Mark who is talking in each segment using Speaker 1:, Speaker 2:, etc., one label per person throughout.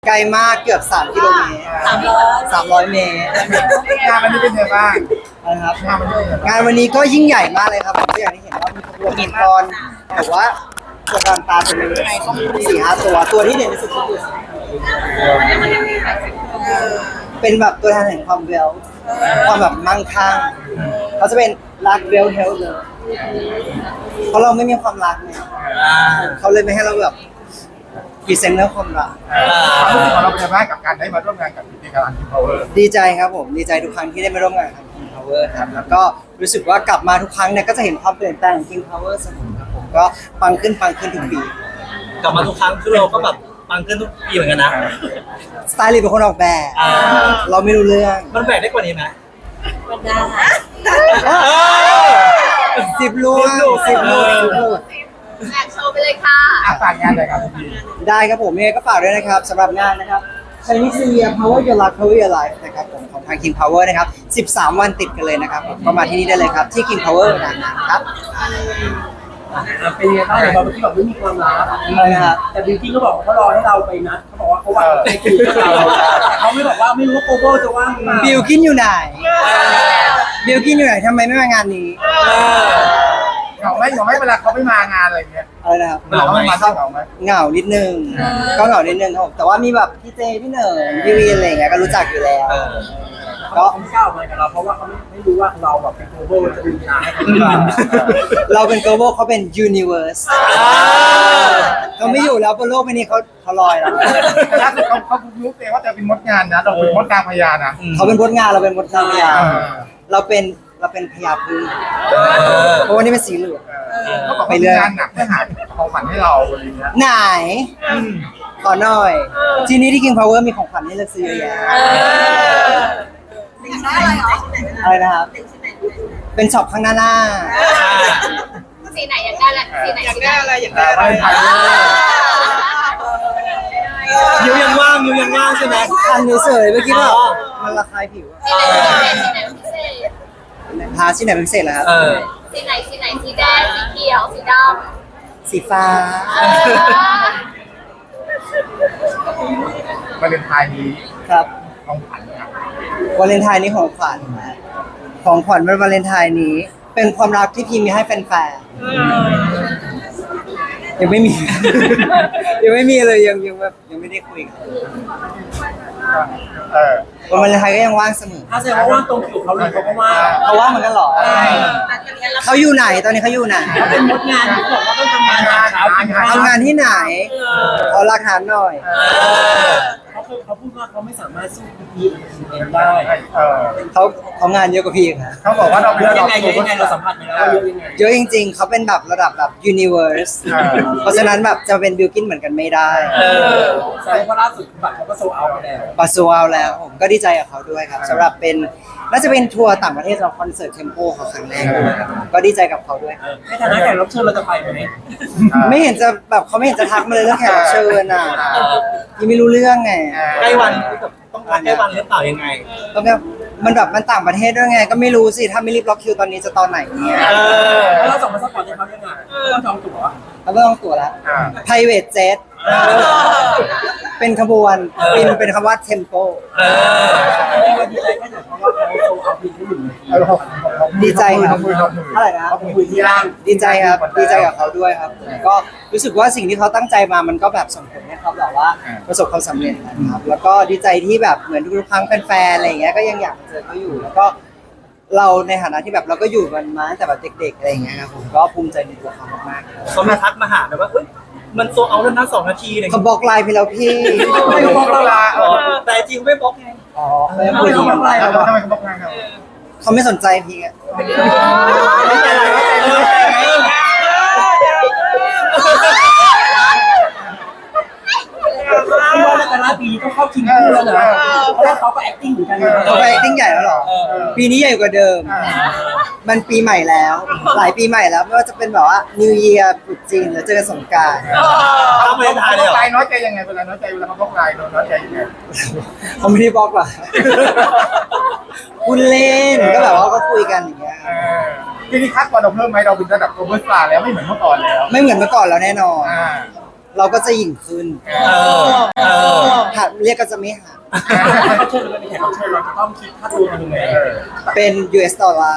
Speaker 1: ไกลมากเกือบ3 กิโลเมตร300 เมตร
Speaker 2: งานวันนี้เป็นไงบ้าง
Speaker 1: นะครับ
Speaker 2: งานวันนี้เป็นไงบ้าง
Speaker 1: งานวันนี้ก็ยิ่งใหญ่มากเลยครับผมก็อย่างที่เห็นว่ามีขบวนมังกรแต่ว่าตัวการตาเป็น4-5 ตัวที่เด่นที่สุดก็คือเป็นแบบตัวแทนแห่งความเวลความแบบมั่งคั่งเขาจะเป็นรักเวลเฮลเลยเพราะเราไม่มีความรักเนี่ยเขาเลยไม่ให้เราแบบพรีเซนต์เรื่องความรัก
Speaker 2: ความรู้สึกของเราเป็นไงบ้างกับการได้มาร่วมงานกับพิธีการคิมพาวเวอร์
Speaker 1: ดีใจครับผมดีใจทุกครั้งที่ได้มาร่วมงานกับ King Power ครับแล้วก็รู้สึกว่ากลับมาทุกครั้งเนี่ยก็จะเห็นความเปลี่ยนแปลงของ King Power เสมอครับผมก็ปังขึ้นทุกปี
Speaker 3: กลับมาทุกครั้งคือเราก็แบบปังขึ้นทุกปีเหมือนกันนะ
Speaker 1: สไตลิสต์เป็นคนออกแบบ เราไม่รู้เรื่อง
Speaker 3: มันแบกได้กว่านี้ไหม
Speaker 1: 10 ลูก10 ลูก
Speaker 4: แอบโชว์ไปเลยค่ะ
Speaker 2: ฝากงานเลยครับพี่
Speaker 1: ได้ครับผมยังไงก็ฝากด้วยนะครับสำหรับงานนะครับ Chinese New Year Power Your Life Power Your Life นะครับผมของทาง King Power นะครับ13 วันติดกันเลยนะครับผมก็มาที่นี่ได้เลยครับที่ King Power นะครับ
Speaker 5: เป็นยังไงบ้างเดี๋ยวเมื่อกี้บอกไม่มีความรัก
Speaker 1: อะไรนะครับ
Speaker 5: แต่บิวกิ้นก็บอกว่าเขารอให้เราไปนะเขาบอกว่าเขาว่างไปคุยกับเราแต่เขาไม่บอกว่าไม่รู้ว่าโกโบจะว่างหรือเปล่า
Speaker 1: บิลกินอยู่ไหนบิลกินอยู่ไหนทำไมไม่มางานนี้
Speaker 2: เหงาไหมเวลาเขาไม่มางานอะไรเงี้ย
Speaker 1: อะไรนะครับ
Speaker 2: เวลาเขาไม่มาเหงาไหม
Speaker 1: เหงานิดนึงก็เหงานิดนึงครับผมแต่ว่ามีแบบพี่เจพี่เหนิงพี่วีอะไรอย่างเงี้ยก็รู้จักอยู่แล้ว
Speaker 5: เขาไม่กล้าออกมากับเราเพราะว่าเขาไม่รู้ว่าเราแบบเป็นโกโบจะดึงงานให้เขาหรือเปล่า
Speaker 1: เราเป็น global เขาเป็น universe เขาไม่อยู่แล้วบนโลกใบนี้เขาลอยแล้ว
Speaker 2: แต่ล่าสุดเขารู้เองว่าจะเป็นมดงานนะเราเป็นมดกลางพญานะ
Speaker 1: เขาเป็นมดงานเราเป็นมดนางพญาเราเป็นพญาพึ่งเพราะว่านี่เป็นสีเหลือง
Speaker 2: เขาบอกว่างานหนักเพื่อหาของขวัญให้เราอะไรเงี้ย
Speaker 1: ไหนขอหน่อย ที่นี่ที่ King Power มีของขวัญให้เลือกซื้อเยอะแยะ อะไรนะครับ เป็นช็อปข้างหน้า
Speaker 4: สีไหนอยากได้ละสีไหนอยากได้อะไรอยากได้
Speaker 2: ไปถ่าย
Speaker 3: ยูยังว่างใช่ไหม
Speaker 1: อันนี้เฉยเมื่อกี้ว่ามันระคายผิว
Speaker 4: สีไหนพิเศษ
Speaker 1: ทาที่ไหนเป็นพิเศษเหรอครับ
Speaker 4: สีไหนสีแดงสีเขียวสีด
Speaker 1: สีฟ้า
Speaker 2: วาเลนไทน์นี้
Speaker 1: ครับ
Speaker 2: ของขวัญนะครับ
Speaker 1: วาเลนไทน์นี้ของขวัญวันวาเลนไทน์นี้ เป็นความรักที่พี่มีให้แฟนๆยังไม่มี ยังไม่มีเลยยังแบบยังไม่ได้คุยกัน วันวาเลนไทน์ก็ยังว่างเสมอ
Speaker 5: ถ้าแสดงว่าว่างตรงคิวเขาเลยเขาก็ว่าง
Speaker 1: เขาว่างเหมือนกันเหรอเขาอยู่ไหนตอนนี้เขาอยู่ไหน
Speaker 5: เขาเป็นมดงานที่บอกว่าต้องทำงานเช้ากินข้าว
Speaker 1: ทำงานที่ไหนขอหลักฐานหน่อย
Speaker 5: เขาพูดว่าเขาไม่สามารถสู้พีเองได้
Speaker 1: เขางานเยอะกว่าพี่ค่ะ
Speaker 2: เขาบอกว่าเราเป็น
Speaker 5: เยอะ
Speaker 2: ระ
Speaker 5: ยั
Speaker 2: ดั
Speaker 5: ง
Speaker 2: บ
Speaker 5: ไงเยอะยังไงเราสัมผัสไปแล้วว่าเยอะยังไง
Speaker 1: เยอะจริงๆ เขาเป็นแบบระดับแบบ universe เพราะฉะนั้นแบบจะเป็นบิลกินเหมือนกันไม่ได้
Speaker 5: แสดงว่าล่าสุดบัตรเขาก็โซเอาไปแล้ว
Speaker 1: ปัสสาวะแล้วผมก็ดีใจกับเขาด้วยครับสำหรับเป็นน่าจะเป็นทัวร์ต่างประเทศสำหรับคอนเสิร์ตเทมโปเขาครั้งแรกด้วยครับก็ดีใจกับเขาด้วยครับ
Speaker 5: ในฐานะแขกรับเชิญเราจะไปไหม
Speaker 1: ไม่เห็นจะแบบเขาไม่เห็นจะทักมาเลยเรื่องแขกรับเชิญอ่ะยังไม่รู้เรื่องไง
Speaker 3: ใกล้วันต้องการใกล้วันหรือเปล่ายังไง
Speaker 1: แล้วแบบมันแบบมันต่างประเทศด้วยไง ก็ไม่รู้สิถ้าไม่รีบล็อกคิวตอนนี้จะตอนไหนเนี่ย
Speaker 5: แล้วเราส่งมาสปอร์ตให้เขายังไงต้องจองตั๋ว
Speaker 1: แล้วก็ต้องตั๋วแล้ว private jet เป็นขบวนบินเป็นคำว่า tempo
Speaker 5: จริงๆเราดีใจแค่ไหนเพราะว่าเขาโซเอาพีที่หนึ่งนาที
Speaker 1: ดีใจครับ
Speaker 2: เท่าไหร่นะ
Speaker 5: เขาคุยที่ร่าง
Speaker 1: ดีใจครับดีใจกับเขาด้วยครับก็รู้สึกว่าสิ่งที่เขาตั้งใจมามันก็แบบส่งผลให้เขาแบบว่าประสบความสำเร็จนะครับแล้วก็ดีใจที่แบบเหมือนทุกๆครั้งแฟนๆอะไรอย่างเงี้ยก็ยังอยากเจอเขาอยู่แล้วก็เราในฐานะที่แบบเราก็อยู่กันมาตั้งแต่แบบเด็กๆอะไรอย่างเงี้ยครับผมก็ภูมิใจในตัวเขามากๆครับ
Speaker 3: เขามาทักมาหาแบบว่าเฮ้ยมันโซเอาแล้วนะ2 นาทีอะไร
Speaker 1: เขาบล็อกไลน์ไปแล้วพี่
Speaker 2: ไม่เขาบอกเราละ
Speaker 3: แต่จริงเขาไม่บล็อกไง
Speaker 1: อ๋อเขาไม่พูดดี
Speaker 2: ทำไมเขาบอกงานเรา
Speaker 1: เขาไม่สนใจพี่อะ
Speaker 3: ไม่เป็นไรไม่เป็นไร
Speaker 5: ที่ว่าในแต่ละปีต้องเข้าชิงคู่แล้วนะเพราะว่าเขาก็ acting เหมือนกันนะ
Speaker 1: เขาไป acting ใหญ่แล้วเหรอปีนี้ใหญ่กว่าเดิม มันปีใหม่แล้ว หลายปีใหม่แล้วไม่ว่าจะเป็นแบบว่า New Year ตรุษจีนแล้วเจอกันสงกรานต์
Speaker 3: เขาไม่ได้ทายเลยเหรอ
Speaker 2: ใจน้อยใจยังไงเวลาน้อยใจเวลาเขาบอกลายน้อยใจยังไง
Speaker 1: เขาไม่ได้บล็อกหรอกคุณเล่นก็แบบว่าก็คุยกันอย่างเงี้ย
Speaker 2: ทีนี้คัดวันเราเพิ่มไหมเราเป็นระดับโกลบอลสตาร์แล้วไม่เหมือนเมื่อก่อนแล้ว
Speaker 1: ไม่เหมือนเมื่อก่อนแล้วแน่นอน
Speaker 2: อ่า
Speaker 1: เราก็จะหยิ่งขึ้น
Speaker 3: เออ
Speaker 1: หัดเรียกก็จะไม่หัด
Speaker 5: เขาเชิญเราเป็นแขกรับเชิญเราจะต้องคิดค่าตัวกันยังไง
Speaker 1: เป็น US ดอลลาร์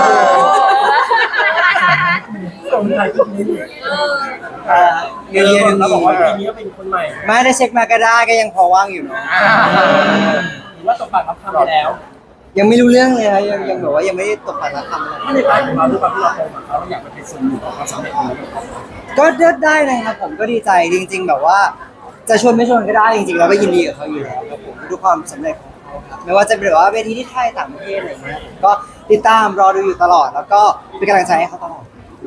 Speaker 5: ส่งใครก็คิด
Speaker 1: เงินเยอะ
Speaker 5: เรา
Speaker 1: มี
Speaker 5: บอกว่าปีนี้ก็เป็นคนใหม่
Speaker 1: ไม่ได้เช็คมาก็ได้ก็ยังพอว่างอยู่เนาะ
Speaker 5: หรือว่าตกปากรับคำไปแล้ว
Speaker 1: ยังไม่รู้เรื่องเลยครับยังแบบว่ายังไม่ได้ตกปากรับคำเลย
Speaker 5: ถ้าในปลายของเราด้วยความที่เราโตมาเขาอยากไปเป็นส่วนหนึ่งของความสำเร็จนี้
Speaker 1: ก็เลือกได้นะครับผมก็ดีใจจริง ๆ แบบว่า จะชวนไม่ชวนก็ได้จริงๆเราก็ยินดีกับเขาอยู่แล้วครับผมทุกความสำเร็จของเขาครับไม่ว่าจะเป็นแบบว่าเวทีที่ไทยต่างประเทศอะไรอย่างเงี้ยผมก็ติดตามรอดูอยู่ตลอด แล้วก็เป็นกำลังใจให้เขาตลอด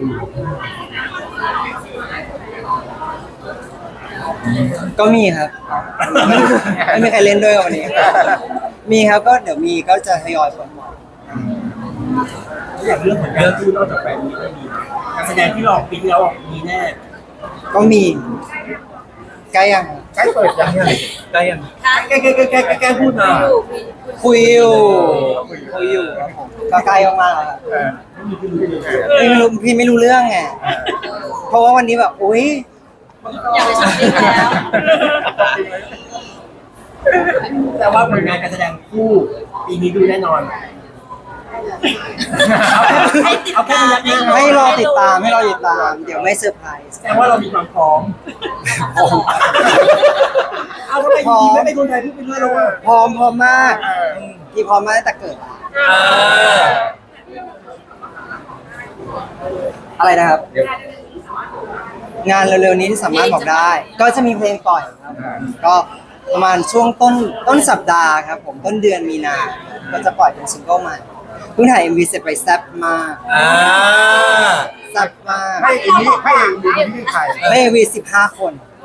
Speaker 1: ก็มีครับไม่มีใครเล่นด้วยวันนี้ มีครับก็เดี๋ยวมีก็จะทยอยคนบอก
Speaker 5: อย่างเรื่องผลงานที่นอกจากแฟนมีก็มีการแสดงที่หลอกปีที่แล้วมีแน่
Speaker 1: ก็มีใกล้ยัง
Speaker 2: ใกล้เปิดยังไง
Speaker 3: ได้ยัง
Speaker 5: แกพูดมา
Speaker 1: คุยอยู่ครับผมก็ใกล้มากๆแล้วครับ พี่ไม่รู้เรื่องไงเพราะว่าวันนี้แบบอุ้ย
Speaker 4: อยากไปช้อปปิ้งแล้ว
Speaker 5: แต่ว่าผลงานการแสดงคู่ปีนี้ดูแน่นอนเอาแค่ระยะนี้
Speaker 1: ให้รอติดตามเดี๋ยวไม่เซอร์ไพรส์
Speaker 5: แสดงว่าเรามีความพร้อมเอาทำไมทีไม่เป็นคนไทยพูดไปเรื่อยเลยว่า
Speaker 1: พร้อมมากพี่พร้อมมาตั้งแต่เกิดแล้ว
Speaker 3: เออ
Speaker 1: อะไรนะครับ งานเร็วๆนี้ที่สามารถบอกได้ ก็จะมีเพลงปล่อยครับก็ประมาณช่วงต้นสัปดาห์ครับผมต้นเดือนมีนาก็จะปล่อยเป็นซิงเกิลใหม่เพิ่งถ่าย MV เสร็จไปแซ่บมาก แซ่บมาก
Speaker 2: ให้เอ็นี้ให้เอ็นี้ที่ใคร
Speaker 1: ได้ MV 15 คน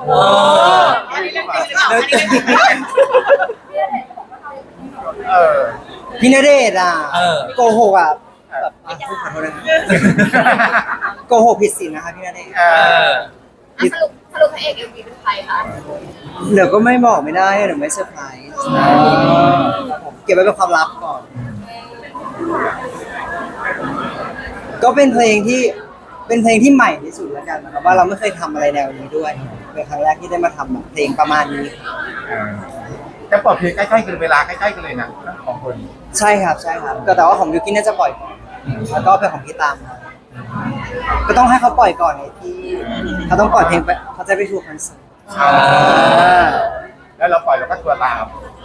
Speaker 2: เออ
Speaker 1: พี่ณเดชน์อ่ะ
Speaker 3: เออ
Speaker 1: โกหกอ่ะแบบขอโทษนะครับโกหกผิดศีลนะคะพี่ณเดชน์
Speaker 2: เออ
Speaker 4: สรุปพระเอกเอ็มวีเป็นใครคะ
Speaker 1: เดี๋ยวก็ไม่บอกไม่ได้เดี๋ยวไม่เซอร์ไพรส์ผมเก็บไว้เป็นความลับก่อน ก็เป็นเพลงที่ใหม่ที่สุดแล้วกันนะครับว่าเราไม่เคยทำอะไรแนวนี้ด้วยเป็นครั้งแรกที่ได้มาทำแบบเพลงประมาณนี้
Speaker 2: จะปลดเพลงใกล้ๆกันเวลาใกล้ๆกันเลยนะทั้งสองคน
Speaker 1: ใช่ครับก็แต่ว่าของยูกินน่าจะปล่อยก่อนแล้วก็เป็นของพี่ตามครับก็ต้องให้เขาปล่อยก่อนไงที่เขาต้องปล่อยเพลงไปเขาจะไปทัวร์คอนเสิร์ต
Speaker 2: แล้วเราปล่อยเราก็ตัวตาม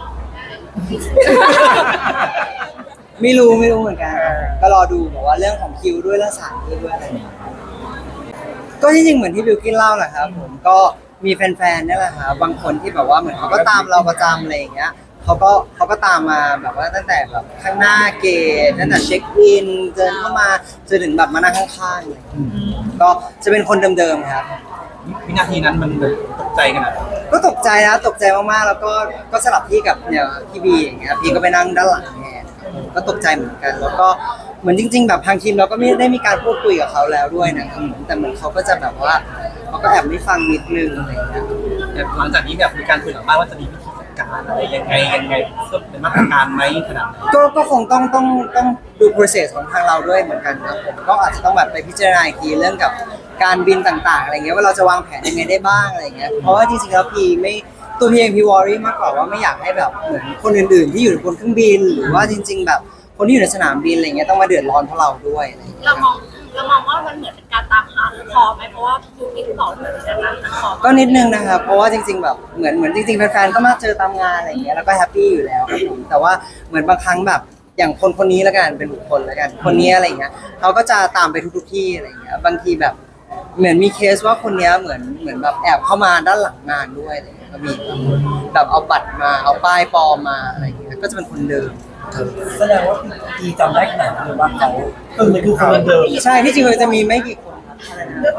Speaker 1: ไม่รู้เหมือนกันก็รอดูบอกว่าเรื่องของคิวด้วยเรื่องสถานที่ด้วยอะไรอย่างเงี้ยก็ที่จริงเหมือนที่บิวกินเล่าแหละครับผมก็มีแฟนๆนี่แหละครับบางคนที่แบบว่าเหมือนเขาก็ตามเราประจำอะไรอย่างเงี้ยเขาก็ตามมาแบบว่าตั้งแต่แบบข้างหน้าเกตตั้งแต่เช็คอินเดินเข้ามาจนถึงแบบมานั่งข้างๆเลยก็จะเป็นคนเดิมๆครับ
Speaker 3: วินาทีนั้นมันตกใจขนาดไหน
Speaker 1: ก็ตกใจมากๆแล้วก็สลับที่กับเนี่ยพี่บีอย่างเงี้ยพี่ก็ไปนั่งด้านหลังแทนก็ตกใจเหมือนกัน แล้วก็เหมือนจริง ๆ แบบทางทีมเราก็ไม่ได้มีการพูดคุยกับเขาแล้วด้วยนะครับแต่เหมือนเขาก็จะแบบว่าเขาก็แอบไม่ฟังนิดนึงอะไรอย่างเงี้ย
Speaker 3: แต่หลังจากนี้แบบมีการคุยหลังบ้านว่าจะมีวิธีจัดการอะไรยังไงก็เป็นมาตรการไหมขนาดไหน
Speaker 1: ก็คงต้องดู process ของทางเราด้วยเหมือนกันครับผมก็อาจจะต้องแบบไปพิจารณาอีกทีเรื่องกับการบินต่างๆอะไรเงี้ยว่าเราจะวางแผนยังไงได้บ้างอะไรเงี้ยเพราะว่าจริงๆแล้วพีไม่ตัวพีเองพีวอรี่มากกว่าว่าไม่อยากให้แบบเหมือนคนอื่นๆที่อยู่บนเครื่องบินหรือว่าจริง ๆ แบบคนที่อยู่ในสนามบินอะไรเงี้ยต้องมาเดือดร้อนเพราะเราด้วยอะไรเงี้ย
Speaker 4: เรามองว่ามันเหมือนเป็นการตามหาคอไหมเพราะว่ายูกินบอกเหมือนจะตามหาคอ
Speaker 1: ก็นิดนึงนะครับเพราะว่าจริงๆแบบเหมือนจริงๆแฟนๆก็มาเจอตามงานอะไรเงี้ยแล้วก็แฮปปี้อยู่แล้วครับผมแต่ว่าเหมือนบางครั้งแบบอย่างคนนี้แล้วกันเป็นบุคคลแล้วกันคนนี้อะไรเงี้ยเขาก็จะตามไปทุกที่อะไรเงี้ยบางทีแบบเหมือนมีเคสว่าคนนี้เหมือนแบบแอบเข้ามาด้านหลังงานด้วยอะไรเงี้ยก็มีแบบเอาบัตรมาเอาป้ายปลอมมาอะไรเงี้ยก็จะเป็นคนเดิม
Speaker 5: แสดงว่าทีจำได้ขนาดนั้นเลยว่าเขามันคือคนเดิม
Speaker 1: ใช่ที่จริงมันจะมีไม่กี่คนครับ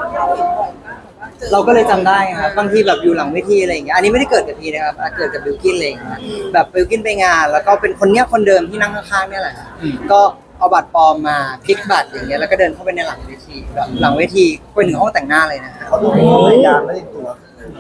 Speaker 1: เราก็เลยจำได้ครับบางทีแบบอยู่หลังเวทีอะไรอย่างเงี้ยอันนี้ไม่ได้เกิดกับพีนะครับเกิดกับบิลกินเลยแบบบิลกินไปงาน แล้วก็เป็นคนเนี้ยคนเดิมที่นั่งข้างๆเนี่ยแหละก็เอาบัตรปลอมมาพลิกบัตรอย่างเงี้ยแล้วก็เดินเข้าไปในหลังเวทีแบบหลังเวทีไปถึงห้องแต่งหน้าเลยนะ
Speaker 2: เขาดูพยายามไม่ได้ตัว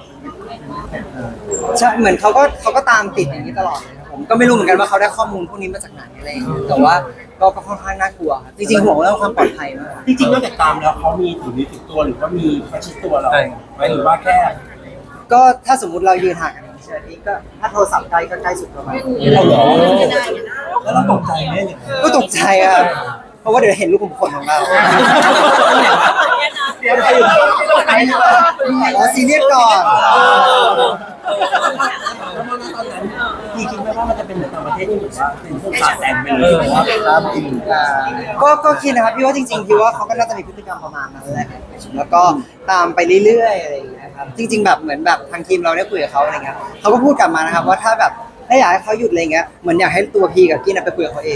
Speaker 1: ใช่เหมือนเขาก็ตามติดอย่างนี้ตลอดเลยครับผมก็ไม่รู้เหมือนกันว่าเขาได้ข้อมูลพวกนี้มาจากไหนอะไรอย่างเงี้ยแต่ว่าก็ค่อนข้างน่ากลัวครับจริงๆห่วงเรื่องความปลอดภัยมาก
Speaker 5: จริงๆนอกจากตามแล้วเขามีถือตัวหรือว่ามีประชิดตัวเราไหมหรือว่าแค่
Speaker 1: ก็ถ้าสมมุติเรายืนห่างกัน1 นาทีก็ถ้าโทรศัพท์ใกล้ก็ใกล้สุดประมาณ
Speaker 5: เราหรอ
Speaker 4: ไม่ได้นะ
Speaker 5: แล้วเราตกใจไหมอย่าง
Speaker 1: ก็ตกใจอ่ะเพราะว่าเดี๋ยวเห็นลูกขุมขนของเรา
Speaker 2: เดี๋ยวใครอยู่ที่ตรงไหน
Speaker 1: อ๋อซีเรียสก่อน
Speaker 5: แล้วตอนนั้นพี่คิดไหมว่ามันจะเป็นเหมือนต่างประเทศที่เหมือนว่าเป็นพวกขาแต่งไปเลยว่า
Speaker 1: ก็คิดนะครับพี่ว่าจริงๆพี่ว่าเขาก็น่าจะมีพฤติกรรมประมาณนั้นแหละแล้วก็ตามไปเรื่อยๆอะไรอย่างเงี้ยครับจริง ๆ แบบเหมือนแบบทางทีมเราได้คุยกับเขาอะไรเงี้ยเขาก็พูดกลับมานะครับว่าถ้าแบบถ้าอยากให้เขาหยุดอะไรเงี้ยเหมือนอยากให้ตัวพี่กับกี้น่ะไปคุยกับเขาเอง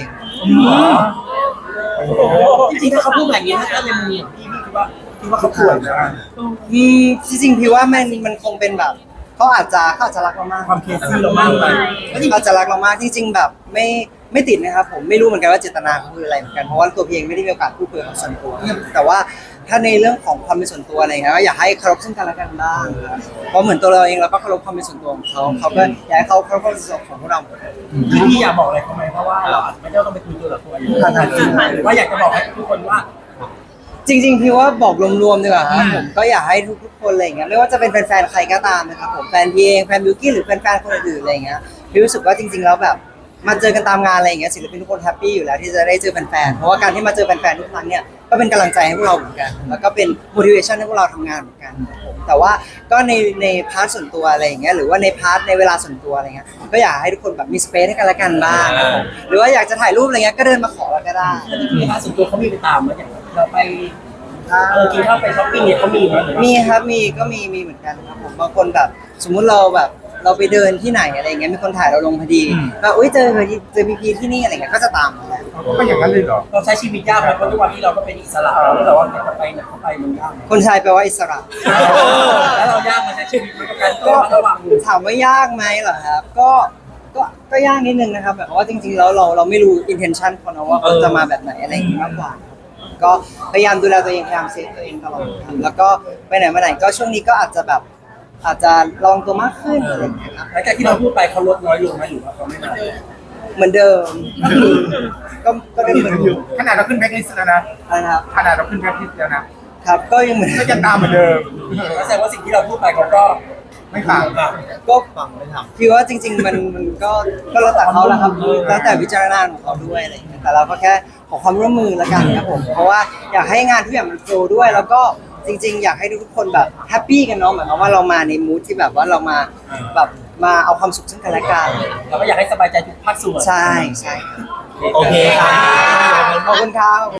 Speaker 5: จริงๆถ้าเขาพูดแบบนี้ถ้าในมุมของพี่คิดว่าเขาป่วยนะ
Speaker 1: จริงๆพี่ว่ามันคงเป็นแบบเขาอาจจะรักเรามาก
Speaker 5: ความเคซี่เรามากไป
Speaker 1: อาจจะรักเรามากจริงๆแบบไม่ติดนะครับผมไม่รู้เหมือนกันว่าเจตนาเขาคืออะไรเหมือนกันเพราะว่าตัวพี่เองไม่ได้มีโอกาสพูดคุยกับเขาส่วนตัวแต่ว่าถ้าในเรื่องของความเป็นส่วนตัวอะไรเงี้ยก็อยากให้เคารพซึ่งกันและกันบ้างครับเพราะเหมือนตัวเราเองเราก็เคารพความเป็นส่วนตัวของเขาเขาก็อยากให้เขาเคารพความเป็นส่วนตัวของพวกเราเหมือนกัน
Speaker 5: พี่อยากบอกอะไรเขาไหมเพราะว่าเราอาจจะไม่ได้ต้องไปคุยตัวต่อตัวหรือว่าอยากจะบอกให้ทุกคนว่า
Speaker 1: จริงๆพี่ว่าบอกรวมๆดีกว่าครับผมก็อยากให้ทุกๆคนอะไรอย่างเงี้ยไม่ว่าจะเป็นแฟนๆใครก็ตามนะครับผมแฟนพี่เองแฟนบิวกี้หรือแฟนๆคนอื่นๆอะไรอย่างเงี้ยพี่รู้สึกว่าจริงๆแล้วแบบมาเจอกันตามงานอะไรอย่างเงี้ยศิลปินทุกคนแฮปปี้อยู่แล้วที่จะได้เจอแฟนๆเพราะว่าการที่มาเจอแฟนๆทุกครั้งเนี่ยก็เป็นกำลังใจให้พวกเราเหมือนกันแล้วก็เป็น motivation ให้พวกเราทำงานเหมือนกันครับผมแต่ว่าก็ในพาร์ทส่วนตัวอะไรอย่างเงี้ยหรือว่าในพาร์ทในเวลาส่วนตัวอะไรเงี้ยก็อยากให้ทุกคนแบบมีสเปซให้กันและกันบ้างครับผมหรือว่าอยากจะถ่ายรูปอะไรเงี้ยก็เดินมาขอเราก็ได้
Speaker 5: มีค่าส่วนตัวเขามีไปตามมาอย่างเราไปกินข้าวไปช้อปปิ้งเนี่ยเขามีไหม
Speaker 1: มีครับมีเหมือนกันครับผมบางคนแบบสมมุติเราแบบเราไปเดินที่ไหนอะไรเงี้ยมีคนถ่ายเราลงพอดีแบบอุ้ยเจอพีพีที่นี่อะไรเงี้ยก็จะตามมาแหละ
Speaker 2: ก็อย่างนั้นเลยเหรอ
Speaker 5: เราใช้ชีวิตยากไหมเพราะด้วยความที่เราก็เป็นอิสระแล้วแต่ว่าจะไปไหนก็ไปมันยาก
Speaker 1: คนชายแปลว่าอิสระ
Speaker 5: แล้วเรายากมาใช้ชีวิตกับการก็ระวัง
Speaker 1: ถามว่ายากไหมเหรอครับก็ยากนิดนึงนะครับแบบว่าจริงๆแล้วเราไม่รู้ intention เขานะว่าเขาจะมาแบบไหนอะไรอย่างงี้มากกว่าก็พยายามดูแลตัวเองพยายามเซฟตัวเองตลอดครับแล้วก็ไปไหนมาไหนก็ช่วงนี้ก็อาจจะลองตัวมากขึ้นอะไรอย่างเงี้ยครับ
Speaker 5: หลังจากที่เราพูดไปเขาลดน้อยลงไหมหรือว่าเขาไม่มา
Speaker 1: เหมือนเดิมก็ได้เหมือนอยู่
Speaker 2: ขนาดเราขึ้นแบ็คลิสต์แล้วนะ
Speaker 1: นะครับ
Speaker 2: ขนาดเราขึ้นแบ็คลิสต์แล้วนะครับ
Speaker 1: ก็ยังเหมือน
Speaker 2: ก็ยังตามเหมือนเดิม
Speaker 5: แสดงว่าสิ่งที่เราพูดไปเขาก็
Speaker 2: ไม่ต่าง
Speaker 1: ก็พี่ว่าจริง ๆ มันก็แล้วแต่เขาแหละครับแล้วแต่วิจารณญาณของเขาด้วยอะไรอย่างเงี้ยแต่เราก็แค่ขอความร่วมมือละกันครับผมเพราะว่าอยากให้งานทุกอย่างมันโฟลว์ด้วย แล้วก็จริง ๆ อยากให้ทุกคนแบบแฮปปี้กันเนาะหมายความว่าเรามาในมูทที่แบบว่าเรามาแบบมาเอาความสุขซึ่งกันและกัน
Speaker 5: เราก็อยากให้สบายใจทุกภาคส่วน
Speaker 1: ใช่
Speaker 3: โอเคค่ะ
Speaker 1: ขอบคุณครับ